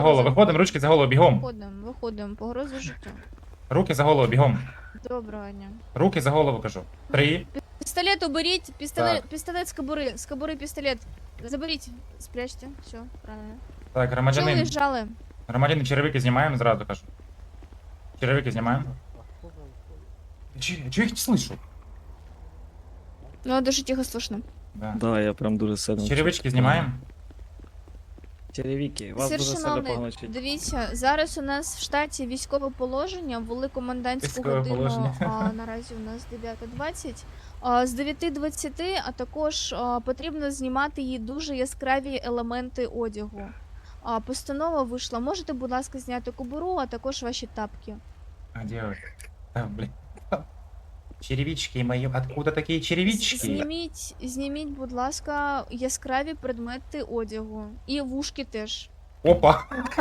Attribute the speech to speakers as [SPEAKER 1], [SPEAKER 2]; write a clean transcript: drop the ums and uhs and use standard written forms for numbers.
[SPEAKER 1] голову, виходимо, ручки за голову, бігом.
[SPEAKER 2] Виходимо, погрозу життю.
[SPEAKER 1] Руки за голову, бігом.
[SPEAKER 2] Доброго дня.
[SPEAKER 1] Руки за голову, кажу. 3.
[SPEAKER 2] Пістолет уберіть,
[SPEAKER 1] Так.
[SPEAKER 2] пістолет з кобури пістолет. Заберіть, спрячьте, все, правильно.
[SPEAKER 1] Так,
[SPEAKER 2] Чого
[SPEAKER 1] громадянин.
[SPEAKER 2] уїжджали?
[SPEAKER 1] Громадянин, черевики знімаємо, зразу кажу. Черевики знімаємо. Чого я їх не слышу?
[SPEAKER 2] Ну, дуже тихо слышно.
[SPEAKER 1] Да.
[SPEAKER 3] Да, я прям дуже сильно.
[SPEAKER 1] Черевички знімаємо.
[SPEAKER 3] Черевики, вас
[SPEAKER 2] Сир
[SPEAKER 3] дуже сильно
[SPEAKER 2] шановний,
[SPEAKER 3] погано чуть.
[SPEAKER 2] дивіться, зараз у нас в штаті військове положення, ввели комендантську
[SPEAKER 1] Військове
[SPEAKER 2] годину,
[SPEAKER 1] положення.
[SPEAKER 2] а наразі у нас 9:20. З 9:20, а також потрібно знімати її дуже яскраві елементи одягу. Постанова вийшла. Можете, будь ласка, зняти кобуру, а також ваші тапки.
[SPEAKER 1] А, де ви? А, блін. Черевички мої. Откуда такі черевички?
[SPEAKER 2] Зніміть, будь ласка, яскраві предмети одягу. І вушки теж.
[SPEAKER 1] Опа.